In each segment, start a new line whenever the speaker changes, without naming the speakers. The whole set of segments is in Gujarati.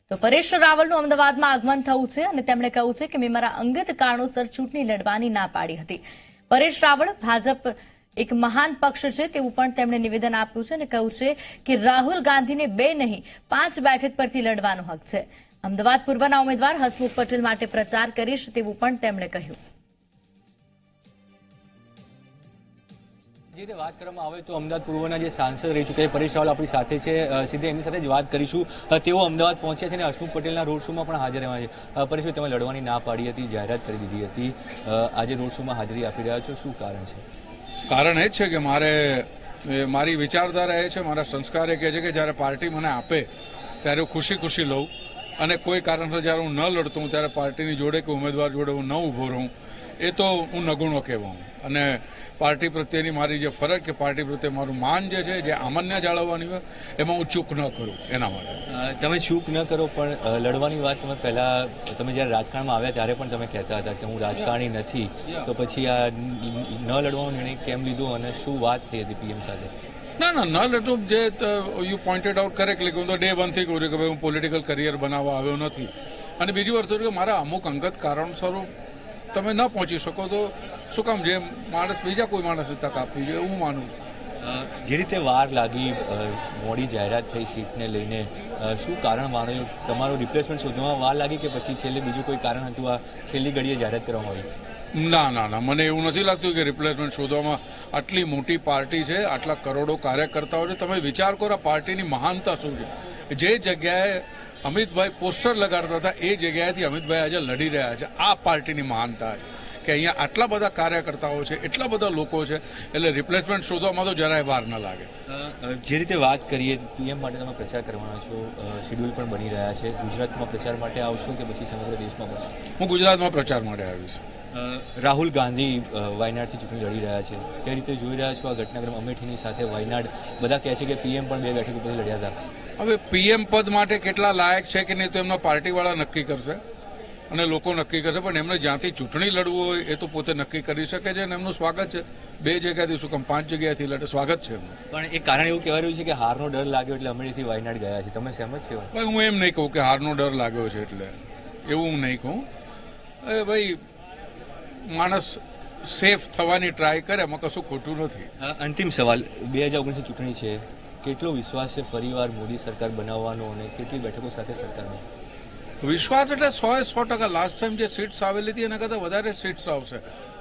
તો પરેશ રાવલનું અમદાવાદમાં આગમન થયું છે અને તેમણે કહ્યું છે કે મેં મારા અંગત કારણોસર ચૂંટણી લડવાની ના પાડી હતી. પરેશ રાવલ ભાજપ એક મહાન પક્ષ છે તેવું પણ તેમણે નિવેદન આપ્યું છે અને કહ્યું છે કે રાહુલ ગાંધીને 2 નહીં 5 બેઠક પરથી લડવાનો હક છે. અમદાવાદ પૂર્વના ઉમેદવાર હસમુખ પટેલ માટે પ્રચાર કરીશ તેવું પણ તેમણે કહ્યું.
જે વાત કરવામાં આવે તો અમદાવાદ પૂર્વના જે સાંસદ રહી ચૂક્યા પરેશ રાવલ આપણી સાથે છે, સીધે એમની સાથે જ વાત કરીશું. તેઓ અમદાવાદ પહોંચ્યા છે અને હસમુખ પટેલના રોડ શોમાં પણ હાજર રહ્યા છે. પરેશભાઈ, તમે લડવાની ના પાડી હતી, જાહેરાત કરી દીધી હતી, આજે રોડ શોમાં હાજરી આપી રહ્યા છો, શું કારણ છે?
કારણ એ જ છે કે મારી વિચારધારા એ છે, મારા સંસ્કાર એ કહે છે કે જ્યારે પાર્ટી મને આપે ત્યારે હું ખુશી ખુશી લઉં, અને કોઈ કારણસર જ્યારે હું ન લડતો હું ત્યારે પાર્ટીની જોડે કે ઉમેદવાર જોડે હું ન ઊભો રહું, એ તો હું નગુણો કહેવાઉં. અને પાર્ટી પ્રત્યેની મારી જે ફરજ કે પાર્ટી પ્રત્યે મારું માન જે છે, જે આમન્ય જાળવવાની હોય, એમાં હું ચૂક ન કરું. એના માટે
તમે ચૂક ન કરો, પણ લડવાની વાત તમે જ્યારે રાજકારણમાં આવ્યા ત્યારે પણ તમે કહેતા હતા કે હું રાજકારણી નથી, તો પછી આ ન લડવાનો નિર્ણય કેમ લીધો અને શું વાત થઈ હતી પીએમ સાથે?
ના, ન લડું. જે યુ પોઇન્ટેડ આઉટ કરેક્ટલી કે હું તો ડે 1 થી કહું છું કે ભાઈ હું પોલિટિકલ કરિયર બનાવવા આવ્યો નથી. અને બીજી વાત કે મારા અમુક અંગત કારણસરો તમે ન પહોંચી શકો તો શું કામ જે માણસ બીજા કોઈ માણસને તક આપવી જોઈએ, હું માનું છું.
જે રીતે વાર લાગી, મોડી જાહેરાત થઈ સીટને લઈને, શું કારણ માન્યું? તમારું રિપ્લેસમેન્ટ શોધવામાં વાર લાગી કે પછી છેલ્લે બીજું કોઈ કારણ હતું, આ છેલ્લી ઘડીએ જાહેરાત કરવામાં આવી?
ના, મને એવું નથી લાગતું કે રિપ્લેસમેન્ટ શોધવામાં. આટલી મોટી પાર્ટી છે, આટલા કરોડો કાર્યકર્તાઓ છે, તમે વિચાર કરો પાર્ટીની મહાનતા શું છે. જે જગ્યાએ અમિતભાઈ પોસ્ટર લગાડતા હતા એ જગ્યાએથી અમિતભાઈ આજે લડી રહ્યા છે. આ પાર્ટીની મહાનતા છે કે અહીંયા આટલા બધા કાર્યકર્તાઓ છે, એટલા બધા લોકો છે, એટલે રિપ્લેસમેન્ટ શોધવામાં તો જરાય વાર ન લાગે.
જે રીતે વાત કરીએ, પીએમ માટે તમે પ્રચાર કરવાના છો, શેડ્યુલ પણ બની રહ્યા છે. ગુજરાતમાં પ્રચાર માટે આવશો કે પછી સમગ્ર દેશમાં બનશો?
હું ગુજરાતમાં પ્રચાર માટે આવીશ.
રાહુલ ગાંધી વાયનાડથી ચૂંટણી લડી રહ્યા છે, કઈ રીતે જોઈ રહ્યા છો આ ઘટનાક્રમ? અમેઠીની સાથે વાયનાડ, બધા કહે છે કે પીએમ પણ 2 બેઠક ઉપરથી લડ્યા હતા.
હવે પીએમ પદ માટે કેટલા લાયક છે કે નહીં તો એમના પાર્ટીવાળા નક્કી કરશે અને લોકો નક્કી કરશે, પણ એમને જ્યાંથી ચૂંટણી લડવું હોય એ તો પોતે નક્કી કરી શકે છે અને એમનું સ્વાગત છે. 2 જગ્યાથી શું કામ 5 જગ્યાથી લડે, સ્વાગત છે એમનું.
પણ એક કારણ એવું કહેવાય રહ્યું છે કે હારનો ડર લાગ્યો એટલે અમેઠીથી વાયનાડ ગયા છે, તમે સહેમત છો?
ભાઈ, હું એમ નહીં કહું કે હારનો ડર લાગ્યો છે એટલે, એવું હું નહીં કહું. ભાઈ, માણસ સેફ થવાની ટ્રાય કરે, એમાં કશું ખોટું નથી.
અંતિમ સવાલ, 2019ની ચૂંટણી છે, કેટલો વિશ્વાસ છે ફરીવાર મોદી સરકાર બનાવવાનો અને કેટલી બેઠકો સાથે સરકારનો?
વિશ્વાસ એટલે 100%. લાસ્ટ ટાઈમ જે સીટ્સ આવેલી હતી એના કરતાં વધારે સીટ્સ આવશે.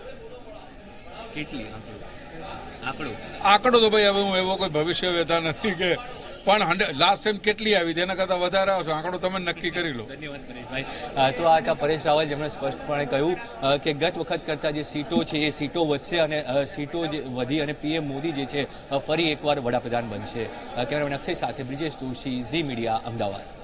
કેટલી
આંકડો તો ભાઈ હવે હું એવો કોઈ ભવિષ્ય વેતા નથી કે, પણ લાસ્ટ ટાઈમ કેટલી આવી હતી એના કરતાં વધારે આવશે. આંકડો તમે નક્કી કરી લો.
ધન્યવાદ પરેશભાઈ. તો આ હતા પરેશ રાવલ, જેમણે સ્પષ્ટપણે કહ્યું કે ગત વખત કરતાં જે સીટો છે એ સીટો વધશે અને સીટો જે વધી અને પીએમ મોદી જે છે ફરી એકવાર વડાપ્રધાન બનશે. કેમેરામેન અક્ષય સાથે બ્રિજેશ જોશી, ઝી મીડિયા, અમદાવાદ.